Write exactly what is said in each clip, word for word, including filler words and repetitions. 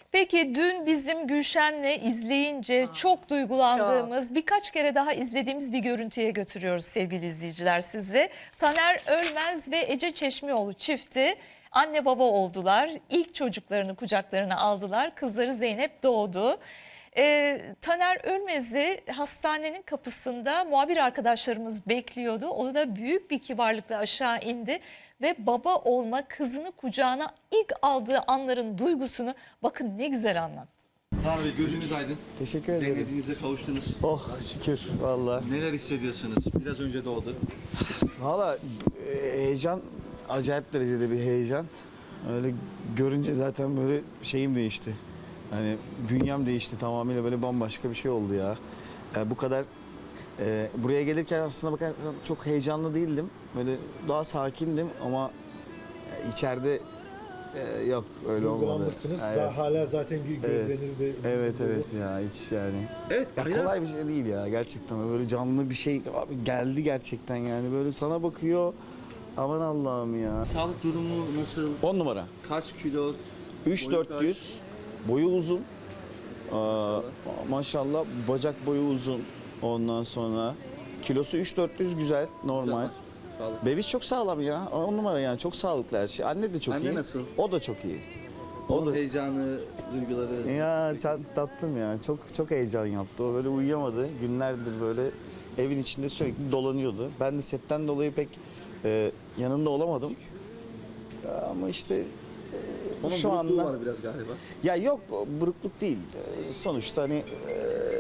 Peki dün bizim Gülşen'le izleyince Aa, çok duygulandığımız, çok. birkaç kere daha izlediğimiz bir görüntüye götürüyoruz sevgili izleyiciler sizi. Taner Ölmez ve Ece Çeşmioğlu çifti anne baba oldular. İlk çocuklarını kucaklarına aldılar. Kızları Zeynep doğdu. Ee, Taner Ölmez'i hastanenin kapısında muhabir arkadaşlarımız bekliyordu. O da büyük bir kibarlıkla aşağı indi ve baba olma, kızını kucağına ilk aldığı anların duygusunu bakın ne güzel anlattı. Tanrı Bey gözünüz aydın. Teşekkür ederim. Zeynep'inize kavuştunuz. Oh şükür valla. Neler hissediyorsunuz? Biraz önce doğdu. Valla e, heyecan, acayip derecede bir heyecan. Öyle görünce zaten böyle şeyim değişti. Hani bünyem değişti, tamamıyla böyle bambaşka bir şey oldu ya. Yani bu kadar e, buraya gelirken aslında bakarsan çok heyecanlı değildim. Böyle daha sakindim ama içeride e, yok öyle olmadı. Duygulanmışsınız. Evet. Hala zaten gö- gözlerinizde... Evet evet ya hiç yani. Evet. Ya hayran- kolay bir şey değil ya gerçekten. Böyle canlı bir şey abi geldi gerçekten yani. Böyle sana bakıyor. Aman Allah'ım ya. Sağlık durumu nasıl? on numara. Kaç kilo? üç Boyu dört yüz. Boyu uzun. Aa, maşallah bacak boyu uzun. Ondan sonra kilosu üç dört yüz güzel, normal. Sağlık. Bebiş çok sağlam ya. on numara yani çok sağlıklı her şey. Anne de çok Anne iyi. nasıl? O da çok iyi. O Onun da heyecanı, duyguları. ya tat- tatlım ya. Çok çok heyecan yaptı. O böyle uyuyamadı. Günlerdir böyle evin içinde sürekli dolanıyordu. Ben de setten dolayı pek e, yanında olamadım. Ya ama işte Onun şu burukluğu anda var biraz galiba. ya yok burukluk değil. E, Sonuçta hani e,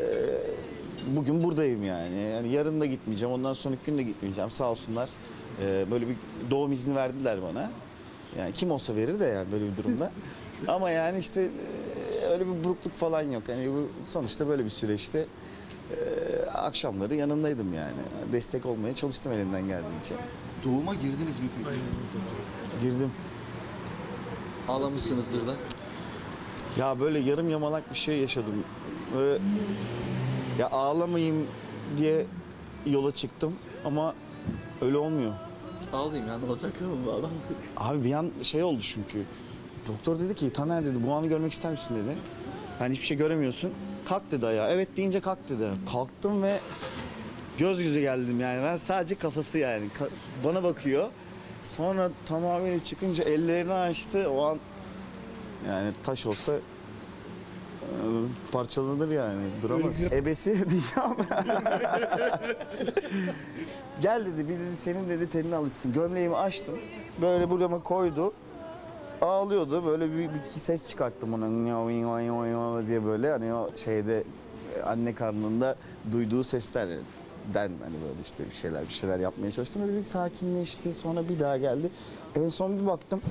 bugün buradayım yani. Yani yarın da gitmeyeceğim. Ondan sonraki gün de gitmeyeceğim. Sağ olsunlar. E, böyle bir doğum izni verdiler bana. Yani kim olsa verir de yani böyle bir durumda. Ama yani işte e, öyle bir burukluk falan yok. Yani bu sonuçta böyle bir süreçte e, akşamları yanındaydım yani. Destek olmaya çalıştım elimden geldiğince. Doğuma girdiniz mi peki? Girdim. Ağlamışsınızdır da. Ya böyle yarım yamalak bir şey yaşadım. Böyle, ya ağlamayayım diye yola çıktım ama öyle olmuyor. Ağlayayım ya, ne olacak ya? Ağlam. Abi bir an şey oldu çünkü. Doktor dedi ki Taner dedi bu anı görmek ister misin dedi. Hani hiçbir şey göremiyorsun. Kalk dedi ayağa. Evet deyince kalk dedi. Kalktım ve göz göze geldim yani. Ben sadece kafası yani. Ka- bana bakıyor. Sonra tamamıyla çıkınca ellerini açtı. O an yani taş olsa e, parçalanır yani. Duramaz. Ebesi diyeceğim. Gel dedi bir dedi senin dedi tenine alışsın. Gömleğimi açtım. Böyle burama koydu. Ağlıyordu. Böyle bir, bir iki ses çıkarttım ona diye böyle hani o şeyde anne karnında duyduğu seslerden hani böyle işte bir şeyler bir şeyler yapmaya çalıştım. Böyle bir sakinleşti. Sonra bir daha geldi. En son bir baktım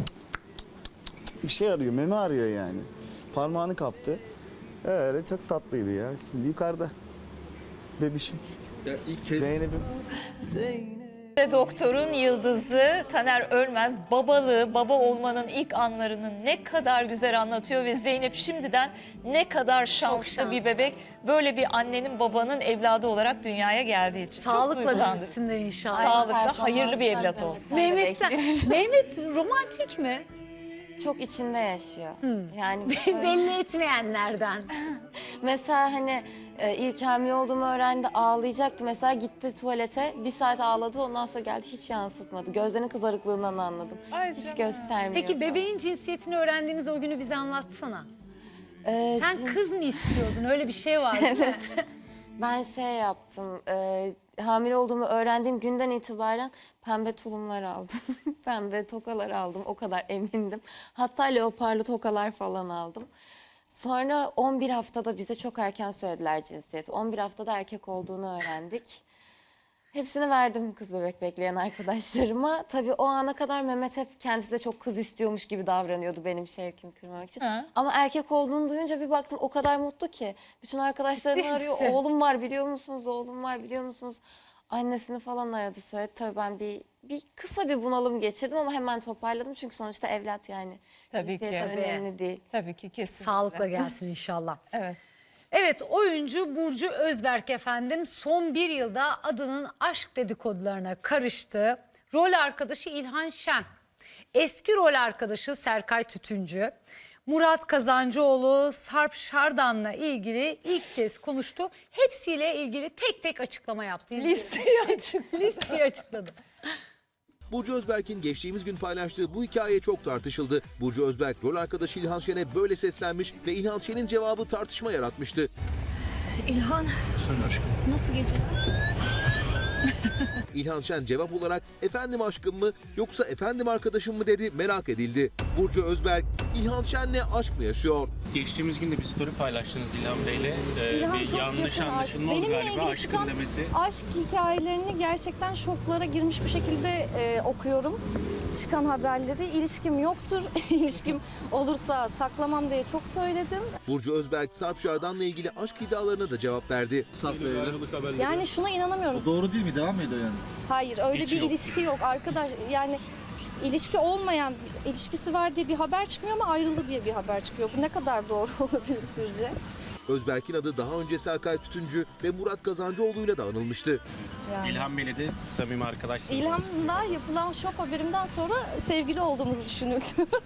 bir şey arıyor. Meme arıyor yani. Parmağını kaptı. Öyle çok tatlıydı ya. Şimdi yukarıda. Bebişim. Ya ilk kez Zeynep'im. Doktorun yıldızı Taner Ölmez babalığı, baba olmanın ilk anlarını ne kadar güzel anlatıyor ve Zeynep şimdiden ne kadar şanslı, şanslı. bir bebek. Böyle bir annenin babanın evladı olarak dünyaya geldiği için. Çok Sağlıkla duygulandım. büyüsünler inşallah. Sağlıklı, hayırlı bir evlat olsun. Mehmet'ten, Mehmet romantik mi? Çok içinde yaşıyor. Yani Belli etmeyenlerden. mesela hani e, ilk hamile olduğumu öğrendi, ağlayacaktı. Mesela gitti tuvalete, bir saat ağladı, ondan sonra geldi, hiç yansıtmadı. Gözlerinin kızarıklığından anladım. Ay Hiç canım. göstermiyor. Peki falan. bebeğin cinsiyetini öğrendiğiniz o günü bize anlatsana. Ee, Sen cin- kız mı istiyordun? Öyle bir şey var değil mi? Ben şey yaptım, e, hamile olduğumu öğrendiğim günden itibaren pembe tulumlar aldım. Pembe tokalar aldım, o kadar emindim. Hatta leoparlı tokalar falan aldım. Sonra on bir haftada bize çok erken söylediler cinsiyeti. on bir haftada erkek olduğunu öğrendik. Hepsini verdim kız bebek bekleyen arkadaşlarıma. Tabii o ana kadar Mehmet hep kendisi de çok kız istiyormuş gibi davranıyordu benim şevkimi kırmak için. Ha. Ama erkek olduğunu duyunca bir baktım o kadar mutlu ki. Bütün arkadaşlarını Ciddi arıyor. misin? Oğlum var biliyor musunuz? Oğlum var biliyor musunuz? Annesini falan aradı söyledi. Tabii ben bir bir kısa bir bunalım geçirdim ama hemen toparladım. Çünkü sonuçta evlat yani. Tabii ki. Cinsiyet Tabii. önemli değil. Tabii ki kesin. Sağlıkla gelsin inşallah. Evet. Evet, oyuncu Burcu Özberk efendim son bir yılda adının aşk dedikodularına karıştı. Rol arkadaşı İlhan Şen, eski rol arkadaşı Serkay Tütüncü, Murat Kazancıoğlu Sarp Şardan'la ilgili ilk kez konuştu. Hepsiyle ilgili tek tek açıklama yaptı. Listeyi açık. Listeyi açıkladı. Burcu Özberk'in geçtiğimiz gün paylaştığı bu hikaye çok tartışıldı. Burcu Özberk rol arkadaşı İlhan Şen'e böyle seslenmiş ve İlhan Şen'in cevabı tartışma yaratmıştı. İlhan, nasıl gece? İlhan Şen cevap olarak efendim aşkım mı yoksa efendim arkadaşım mı dedi, merak edildi. Burcu Özberk, İlhan Şen'le aşk mı yaşıyor? Geçtiğimiz gün de bir story paylaştınız İlhan Bey'le. Ee, İlhan bir çok yanlış yakın anlaşılma artık. oldu Benimle galiba ilgili aşkın çıkan demesi. Aşk hikayelerini gerçekten şoklara girmiş bir şekilde e, okuyorum. Çıkan haberleri. İlişkim yoktur. İlişkim olursa saklamam diye çok söyledim. Burcu Özberk, Sarp Şardan'la ilgili aşk iddialarına da cevap verdi. Sarp verelim. Yani şuna inanamıyorum. O doğru değil mi? Devam ediyor yani. Hayır, öyle Hiç bir yok. ilişki yok arkadaş. Yani ilişki olmayan, ilişkisi var diye bir haber çıkmıyor ama ayrıldı diye bir haber çıkıyor. Bu ne kadar doğru olabilir sizce? Özberk'in adı daha önce Serkay Tütüncü ve Murat Kazancıoğlu'yla da anılmıştı. Yani. İlhan Bey'le de samimi arkadaşsınız. İlhan'la yapılan şok haberimden sonra sevgili olduğumuzu düşünüldü.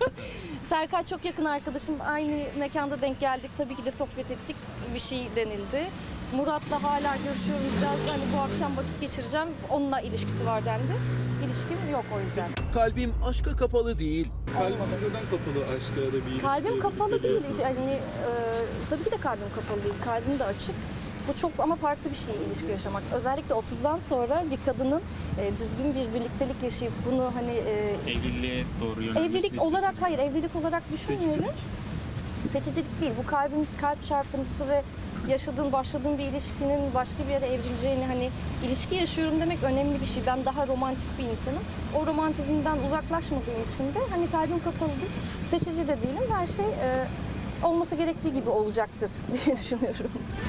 Serkay çok yakın arkadaşım. Aynı mekanda denk geldik. Tabii ki de sohbet ettik. Bir şey denildi. Murat'la hala görüşüyorum. Biraz hani bu akşam vakit geçireceğim. Onunla ilişkisi var dendi. İlişkim yok o yüzden. Kalbim aşka kapalı değil. Kalbiniz neden kapalı aşka ya da bir ilişkiye? Kalbim kapalı birlikte değil. bir- Yani e, tabii ki de kalbim kapalı değil. Kalbim de açık. Bu çok ama farklı bir şey ilişki yaşamak. Özellikle otuzdan sonra bir kadının e, düzgün bir birliktelik yaşayıp bunu hani e, Evliliğe doğru yönelmesini evlilik istiyorsunuz. olarak hayır evlilik olarak düşünmeyelim. Seçicilik değil. Bu kalbin kalp çarpıntısı ve yaşadığın, başladığın bir ilişkinin başka bir yere evrileceğini hani ilişki yaşıyorum demek önemli bir şey. Ben daha romantik bir insanım. O romantizmden uzaklaşmadığım için de hani kalbim kapalı değil. Seçici de değilim. Her şey e, olması gerektiği gibi olacaktır diye düşünüyorum.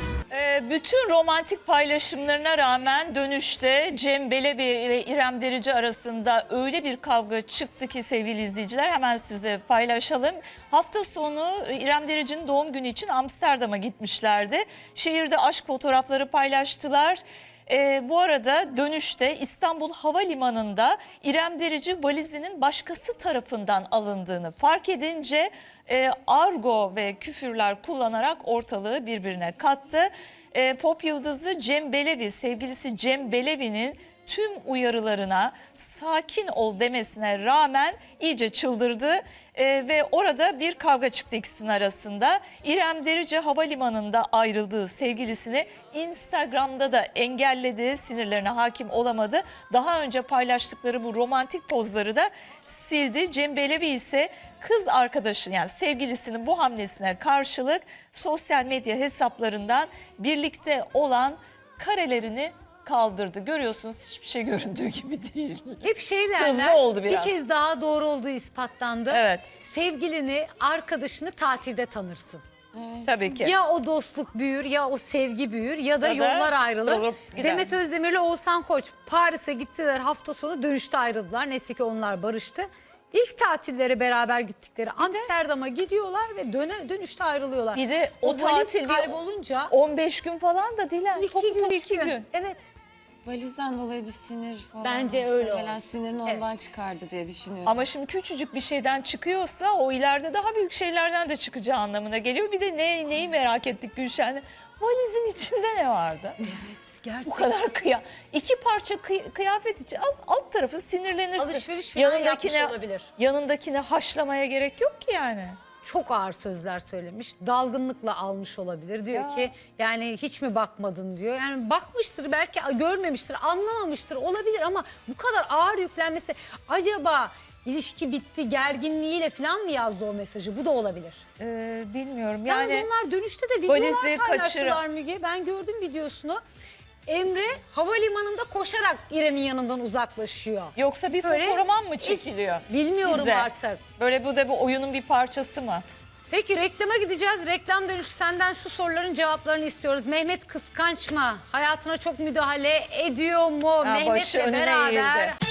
Ee, bütün romantik paylaşımlarına rağmen dönüşte Cem Belevi ve İrem Derici arasında öyle bir kavga çıktı ki sevgili izleyiciler, hemen size paylaşalım. Hafta sonu İrem Derici'nin doğum günü için Amsterdam'a gitmişlerdi. Şehirde aşk fotoğrafları paylaştılar. Ee, bu arada dönüşte İstanbul Havalimanı'nda İrem Derici valizinin başkası tarafından alındığını fark edince e, argo ve küfürler kullanarak ortalığı birbirine kattı. E, pop yıldızı Cem Belevi, sevgilisi Cem Belevi'nin tüm uyarılarına sakin ol demesine rağmen iyice çıldırdı. Ee, ve orada bir kavga çıktı ikisinin arasında. İrem Derici havalimanında ayrıldığı sevgilisini Instagram'da da engelledi, sinirlerine hakim olamadı. Daha önce paylaştıkları bu romantik pozları da sildi. Cem Belevi ise kız arkadaşının yani sevgilisinin bu hamlesine karşılık sosyal medya hesaplarından birlikte olan karelerini kaldırdı. Görüyorsunuz, hiçbir şey göründüğü gibi değil. Hep şey Hızlı derler, oldu bir biraz. kez daha doğru olduğu ispatlandı. Evet. Sevgilini, arkadaşını tatilde tanırsın. Tabii ki. Ya o dostluk büyür ya o sevgi büyür ya da Ya da yollar ayrılır. olup gider. Demet Özdemir'le Oğuzhan Koç Paris'e gittiler, hafta sonu dönüşte ayrıldılar. Neyse ki onlar barıştı. İlk tatilleri beraber gittikleri Amsterdam'a gidiyorlar ve döner, dönüşte ayrılıyorlar. Bir de o, o valiz tatil kaybolunca on beş gün falan da değil. iki Topu gün, topu üç iki gün. gün. Evet. Valizden dolayı bir sinir falan. Bence öyle Muhtemelen olmuş. sinirini ondan çıkardı diye düşünüyorum. Ama şimdi küçücük bir şeyden çıkıyorsa o ileride daha büyük şeylerden de çıkacağı anlamına geliyor. Bir de ne, neyi merak ettik Gülşen'le? Valizin içinde ne vardı? Gerçekten. Bu kadar kıya. İki parça kıy- kıyafet için alt, alt tarafı sinirlenirsin. Alışveriş falan yapmış olabilir. Yanındakine haşlamaya gerek yok ki yani. Çok ağır sözler söylemiş. Dalgınlıkla almış olabilir. Diyor Ya. ki yani hiç mi bakmadın diyor. Yani bakmıştır, belki görmemiştir, anlamamıştır, olabilir ama bu kadar ağır yüklenmesi, acaba ilişki bitti gerginliğiyle falan mı yazdı o mesajı? Bu da olabilir. Ee, bilmiyorum Yani yani. onlar dönüşte de videolar valizi paylaştılar kaçıran- Müge. Ben gördüm videosunu. Emre havalimanında koşarak İrem'in yanından uzaklaşıyor. Yoksa bir Böyle- fotoğraman mı çekiliyor? Bilmiyorum Bizde. artık. Böyle bu da bu oyunun bir parçası mı? Peki reklama gideceğiz. Reklam dönüşü senden şu soruların cevaplarını istiyoruz. Mehmet kıskanç mı? Hayatına çok müdahale ediyor mu? Ha, başı Mehmet'le önüne beraber eğildi.